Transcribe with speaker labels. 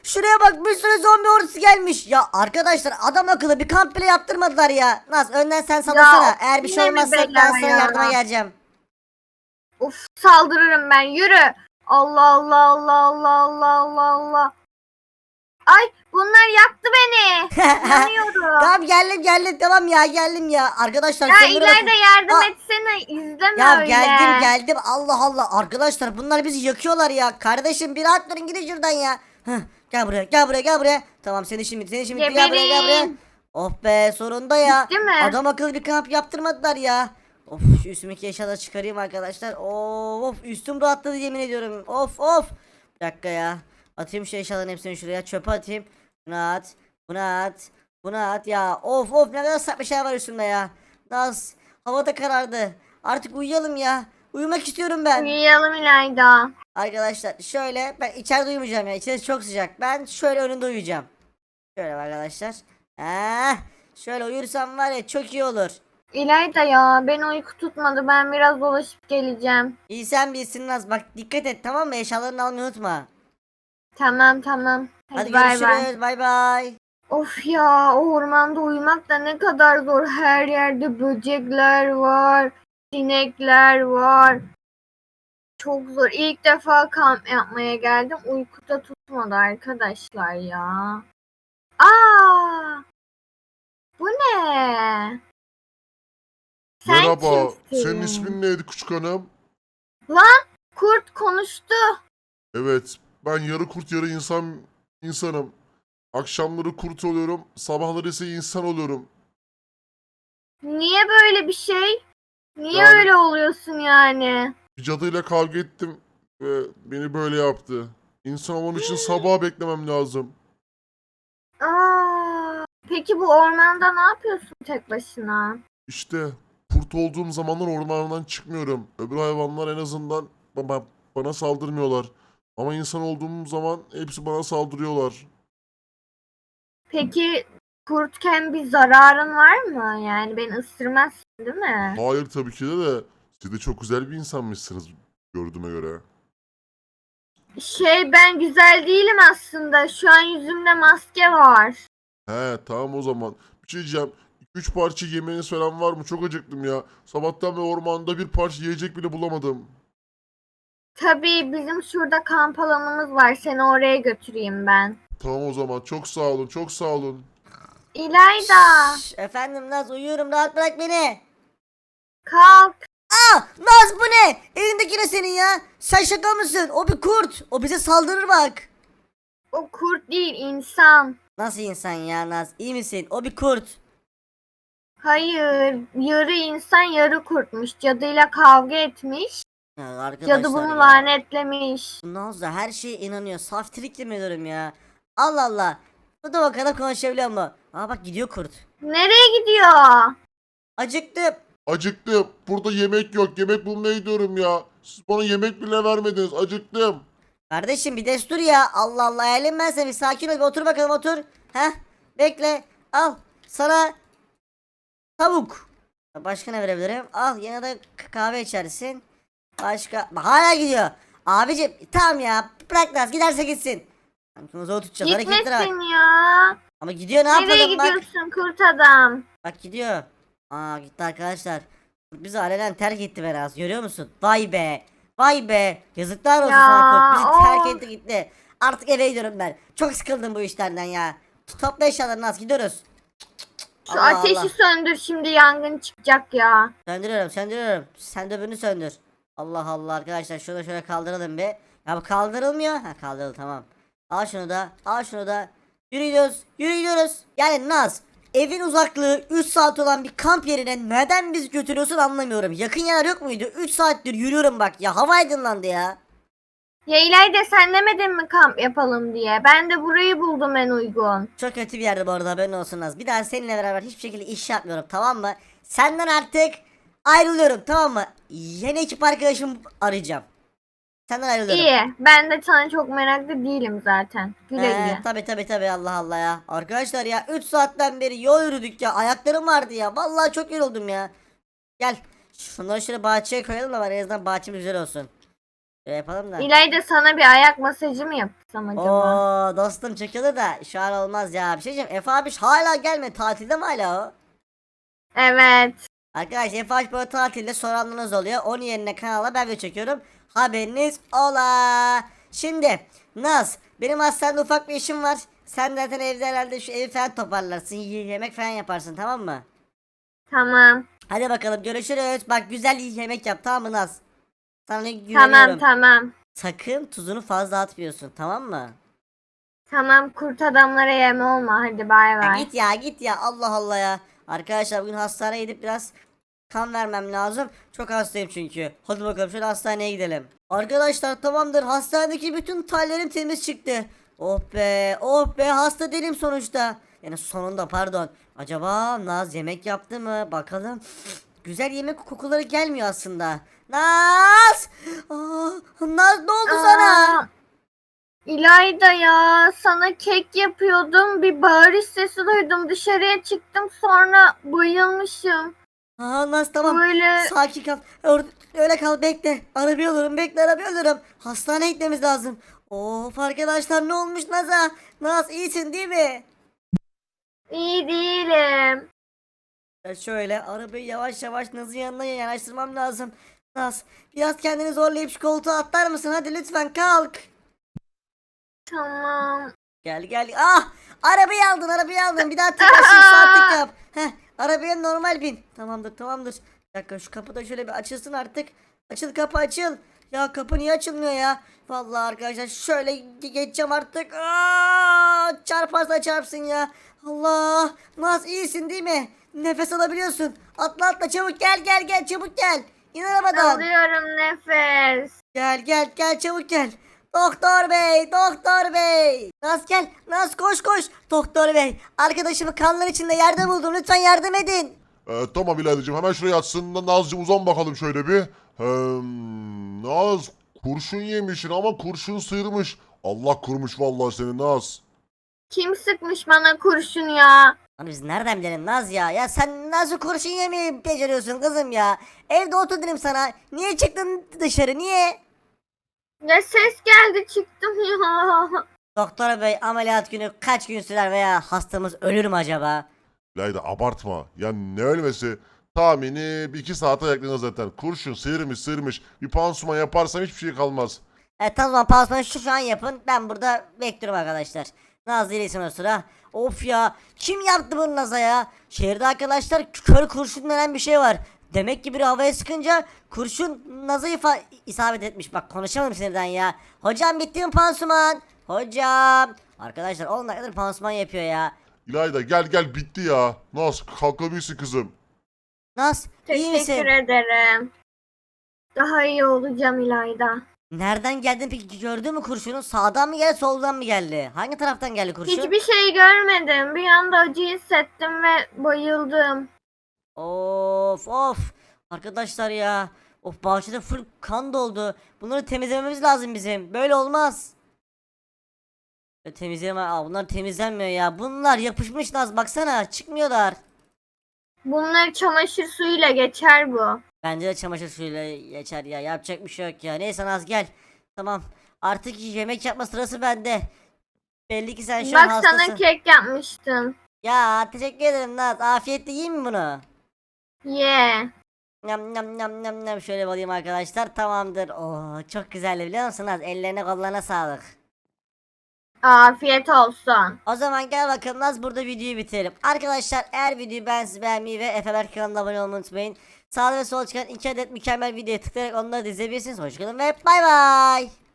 Speaker 1: Şuraya bak, bir sürü zombi ordusu gelmiş. Ya arkadaşlar, adam akıllı bir kamp bile yaptırmadılar ya. Naz, önden sen sallasana. Eğer bir şey
Speaker 2: yine mi
Speaker 1: olmazsa ben
Speaker 2: bela
Speaker 1: sana
Speaker 2: ya?
Speaker 1: yardıma geleceğim.
Speaker 2: Of, saldırırım ben, yürü. Allah Allah Allah Allah Allah Allah Allah. Ay, bunlar yaktı beni. Yanıyorum.
Speaker 1: Tamam, geldim tamam ya, geldim ya. Arkadaşlar
Speaker 2: Ya
Speaker 1: şunlara bakın.
Speaker 2: ileride yardım
Speaker 1: Aa,
Speaker 2: etsene, izleme
Speaker 1: ya
Speaker 2: öyle.
Speaker 1: geldim Allah Allah, arkadaşlar bunlar bizi yakıyorlar ya. Kardeşim bir rahat durun, gidin şuradan ya. Heh, gel buraya. Tamam, seni şimdi gel buraya.
Speaker 2: Geberin.
Speaker 1: Oh be, sonunda ya.
Speaker 2: Bitti mi?
Speaker 1: Adam akıllı bir kamp yaptırmadılar ya. Of, şu üstümdeki eşyaları çıkarayım arkadaşlar. Of, üstüm rahatladı yemin ediyorum. Of. Bir dakika ya. Atayım şu eşyaların hepsini şuraya, çöpe atayım. Bunu at ya. Of, ne kadar saçma şey var üstümde ya. Naz, hava da karardı. Artık uyuyalım ya. Uyumak istiyorum ben.
Speaker 2: Uyuyalım İlayda.
Speaker 1: Arkadaşlar şöyle, ben içeride uyumayacağım ya. İçerisi çok sıcak. Ben şöyle önünde uyuyacağım. Şöyle arkadaşlar. Şöyle uyursam var ya, çok iyi olur.
Speaker 2: İlayda ya, beni uyku tutmadı, ben biraz dolaşıp geleceğim.
Speaker 1: İyi, sen bilsin Naz. Bak, dikkat et tamam mı? Eşyalarını almayı unutma.
Speaker 2: Tamam.
Speaker 1: Hadi
Speaker 2: Bay bay.
Speaker 1: görüşürüz. Bay bay.
Speaker 2: Of ya, o ormanda uyumak da ne kadar zor. Her yerde böcekler var, sinekler var. Çok zor. İlk defa kamp yapmaya geldim. Uykuda tutmadı arkadaşlar ya. Aa! Bu ne? Sen
Speaker 3: Merhaba,
Speaker 2: kimsin?
Speaker 3: senin ismin neydi küçük hanım?
Speaker 2: Lan, kurt konuştu.
Speaker 3: Evet, ben yarı kurt yarı insanım. Akşamları kurt oluyorum, sabahları ise insan oluyorum.
Speaker 2: Niye böyle bir şey? Niye
Speaker 3: Yani-
Speaker 2: öyle oluyorsun yani?
Speaker 3: Bir cadıyla kavga ettim ve beni böyle yaptı. İnsan olman için sabaha beklemem lazım.
Speaker 2: Peki bu ormanda ne yapıyorsun tek başına?
Speaker 3: İşte kurt olduğum zamanlar ormandan çıkmıyorum. Öbür hayvanlar en azından bana saldırmıyorlar. Ama insan olduğum zaman hepsi bana saldırıyorlar.
Speaker 2: Peki kurtken bir zararın var mı? Yani beni ısırmazsın değil mi?
Speaker 3: Hayır tabii ki de. Siz de çok güzel bir insanmışsınız gördüğüme göre.
Speaker 2: Ben güzel değilim aslında. Şu an yüzümde maske var.
Speaker 3: He tamam o zaman. Bir şey diyeceğim. 2-3 parça yemeğiniz falan var mı? Çok acıktım ya. Sabahtan beri ormanda bir parça yiyecek bile bulamadım.
Speaker 2: Tabii bizim şurada kamp alanımız var. Seni oraya götüreyim ben.
Speaker 3: Tamam o zaman. Çok sağ olun. Çok sağ olun.
Speaker 2: İlayda,
Speaker 1: Efendim Naz, uyuyorum, rahat bırak beni.
Speaker 2: kalk.
Speaker 1: Naz, bu ne? Elindeki ne senin ya? Sen şaka mısın? O bir kurt. O bize saldırır bak.
Speaker 2: O kurt değil, insan.
Speaker 1: Nasıl insan ya Naz? İyi misin? O bir kurt.
Speaker 2: Hayır, yarı insan yarı kurtmuş. Cadıyla kavga etmiş.
Speaker 1: Ya arkadaşlar
Speaker 2: Cadı bunu
Speaker 1: ya.
Speaker 2: lanetlemiş.
Speaker 1: Naz da her şeye inanıyor. Saf trikli mi diyorum ya? Allah Allah. Bu da bakalım konuşabiliyor mu? Aa bak, gidiyor kurt.
Speaker 2: Nereye gidiyor?
Speaker 1: Acıktım.
Speaker 3: Acıktım. Burada yemek yok. Yemek bulmaya gidiyorum ya. Siz bana yemek bile vermediniz. Acıktım.
Speaker 1: Kardeşim bir destur ya. Allah Allah, hayalim ben seni. Bir sakin ol, bir otur bakalım, otur. Heh. Bekle. Al. Sana tavuk. Başka ne verebilirim? Al, yine de kahve içersin. Başka. Bak, hala gidiyor. Abicim tamam ya. Bırak Naz, giderse gitsin. Zor tutacağız. Hareketlere bak.
Speaker 2: Gitmesin ya.
Speaker 1: Ama gidiyor, ne
Speaker 2: Nereye
Speaker 1: yapalım bak.
Speaker 2: gidiyorsun kurt adam?
Speaker 1: Bak gidiyor. Aa, gitti arkadaşlar. Bizi alenen terk etti biraz. Görüyor musun? Vay be. Vay be. Yazıklar olsun
Speaker 2: Ya,
Speaker 1: sana kurt. Bizi terk
Speaker 2: of.
Speaker 1: etti gitti. Artık eve gidiyorum ben. Çok sıkıldım bu işlerden ya. Topla eşyalarını, az gidiyoruz.
Speaker 2: Şu
Speaker 1: Allah
Speaker 2: ateşi
Speaker 1: Allah.
Speaker 2: söndür, şimdi yangın çıkacak ya.
Speaker 1: Söndürüyorum. Sen de öbürünü söndür. Allah Allah arkadaşlar, şunu da şöyle kaldıralım bir. Ya bu kaldırılmıyor. Ha, kaldırıldı, tamam. Al şunu da. Yürü gidiyoruz. Yani Naz, evin uzaklığı 3 saat olan bir kamp yerine neden bizi götürüyorsun anlamıyorum. Yakın yer yok muydu? 3 saattir yürüyorum bak ya, hava aydınlandı ya.
Speaker 2: Ya İlayda, sen demedin mi kamp yapalım diye? Ben de burayı buldum en uygun.
Speaker 1: Çok kötü bir yerde bu arada, haberin olsun Naz. Bir daha seninle beraber hiçbir şekilde iş yapmıyorum, tamam mı? Senden artık ayrılıyorum, tamam mı? Yeni ekip arkadaşımı arayacağım. Senden ayrılıyorum.
Speaker 2: İyi. Ben de sana çok meraklı değilim zaten. Güle güle.
Speaker 1: Tabi Allah Allah ya. Arkadaşlar ya, 3 saatten beri yol yürüdük ya. Ayaklarım vardı ya. Vallahi çok yoruldum ya. Gel. Şunları şöyle bahçeye koyalım da var, en azından bahçemiz güzel olsun. Şöyle yapalım da.
Speaker 2: İlayda sana bir ayak masajı mı yapsam acaba?
Speaker 1: Oo dostum çekilir da şu an olmaz ya. Bir şey diyeceğim. Efe abi hala gelmedi. Tatilde mi hala o?
Speaker 2: Evet.
Speaker 1: Arkadaşlar Efe abi böyle tatilde soranlarınız oluyor. Onun yerine kanala ben de çekiyorum. Haberiniz ola. Şimdi Naz benim hastanede ufak bir işim var. Sen zaten evde herhalde şu evi falan toparlarsın. Yemek falan yaparsın tamam mı?
Speaker 2: Tamam.
Speaker 1: Hadi bakalım görüşürüz. Bak güzel yemek yap tamam mı Naz? Sana
Speaker 2: Tamam
Speaker 1: güveniyorum.
Speaker 2: tamam.
Speaker 1: Sakın tuzunu fazla atmıyorsun tamam mı?
Speaker 2: Tamam kurt adamlara yem olma. Hadi bay
Speaker 1: Ya
Speaker 2: bay.
Speaker 1: git ya git ya Allah Allah ya. Arkadaşlar bugün hastaneye gidip biraz kan vermem lazım. Çok hastayım çünkü. Hadi bakalım şöyle hastaneye gidelim. Arkadaşlar tamamdır. Hastanedeki bütün tallerim temiz çıktı. Oh be oh be hasta değilim sonuçta. Yani sonunda pardon. Acaba Naz yemek yaptı mı? Bakalım. Güzel yemek kokuları gelmiyor aslında. Naz! Aa, Naz ne oldu sana?
Speaker 2: Aa, İlayda ya sana kek yapıyordum. Bir bağırış sesi duydum. Dışarıya çıktım sonra bayılmışım.
Speaker 1: Aa Naz tamam.
Speaker 2: Böyle
Speaker 1: Sakin kal. Öyle kal bekle. Arabayı alırım bekle arabayı alırım. Hastaneye gitmemiz lazım. Of arkadaşlar ne olmuş Naz'a? Naz iyisin değil mi?
Speaker 2: iyi değilim.
Speaker 1: Ya şöyle arabayı yavaş yavaş Naz'ın yanına yanaştırmam lazım. Naz biraz kendini zorlayıp şu koltuğa atlar mısın? Hadi lütfen kalk.
Speaker 2: Tamam.
Speaker 1: Gel gel. Ah! Arabayı aldın. Bir daha tekrar şimdi saatlik yap. Heh, arabaya normal bin. Tamamdır tamamdır. Bir dakika şu kapı da şöyle bir açılsın artık. Açıl kapı açıl. Ya kapı niye açılmıyor ya? Vallahi arkadaşlar şöyle geçeceğim artık. Aa, çarparsa çarpsın ya. Allah. Naz iyisin değil mi? Nefes alabiliyorsun. Atla atla çabuk gel çabuk gel. İn arabadan.
Speaker 2: Alıyorum nefes.
Speaker 1: Gel çabuk gel. Doktor bey. Naz gel. Naz koş. Doktor bey. Arkadaşımı kanlar içinde yerde buldum. Lütfen yardım edin.
Speaker 3: Tamam İlaydacığım hemen şuraya yatsın. Nazcığım uzan bakalım şöyle bir. Naz kurşun yemişsin ama kurşun sıyırmış. Allah kurmuş vallahi seni Naz.
Speaker 2: Kim sıkmış bana kurşun ya?
Speaker 1: Hani biz nereden bilelim Naz ya? Ya sen nasıl kurşun yemeyi beceriyorsun kızım ya? Evde otur dedim sana. Niye çıktın dışarı? Niye?
Speaker 2: Ne ses geldi çıktım ya.
Speaker 1: Doktor bey ameliyat günü kaç gün sürer veya hastamız ölür mü acaba?
Speaker 3: İlayda abartma. Ya ne ölmesi? Tahmini bir iki saate yaklanır zaten. Kurşun sıyırmış. Bir pansuman yaparsam hiçbir şey kalmaz.
Speaker 1: Tamam pansumanı şu an yapın. Ben burada bekliyorum arkadaşlar. Naz değilsin o sıra. Of ya. Kim yaptı bunu Naz'a ya? Şehirde arkadaşlar kör kurşun denen bir şey var. Demek ki biri havaya sıkınca kurşun Naz'a isabet etmiş. Bak konuşamadım sinirden ya. Hocam bitti mi pansuman? Hocam. Arkadaşlar 10 dakikadır pansuman yapıyor ya.
Speaker 3: İlayda gel bitti ya. Naz kalkabilirsin kızım.
Speaker 1: Naz iyi misin?
Speaker 2: Teşekkür ederim. Daha iyi olacağım İlayda.
Speaker 1: Nereden geldin peki gördün mü kurşunu? Sağdan mı geldi soldan mı geldi? Hangi taraftan geldi kurşun?
Speaker 2: Hiçbir şey görmedim. Bir anda acı hissettim ve bayıldım.
Speaker 1: Of. Arkadaşlar ya. Of bahçede full kan doldu. Bunları temizlememiz lazım bizim. Böyle olmaz. Temizleme. Bunlar temizlenmiyor ya. Bunlar yapışmış Naz baksana çıkmıyorlar.
Speaker 2: Bunlar çamaşır suyuyla geçer bu.
Speaker 1: Bence de çamaşır suyuyla geçer ya. Yapacak bir şey yok ya. Neyse Naz gel. Tamam. Artık yemek yapma sırası bende. Belli ki sen şu an
Speaker 2: Bak
Speaker 1: hastasın.
Speaker 2: sana kek yapmıştım.
Speaker 1: Ya teşekkür ederim Naz. Afiyetle yiyeyim mi bunu?
Speaker 2: Ye.
Speaker 1: Nam. Şöyle alayım arkadaşlar. Tamamdır. Oo çok güzel biliyor musun Naz? Ellerine kollarına sağlık.
Speaker 2: Afiyet olsun.
Speaker 1: O zaman gel bakalım Naz burada videoyu bitirelim. Arkadaşlar eğer videoyu beğenmeyi ve Efe Berk kanalına abone olmayı unutmayın. Sağda ve solda çıkan 2 adet mükemmel videoya tıklayarak onları da izleyebilirsiniz. Hoşçakalın ve bay bay.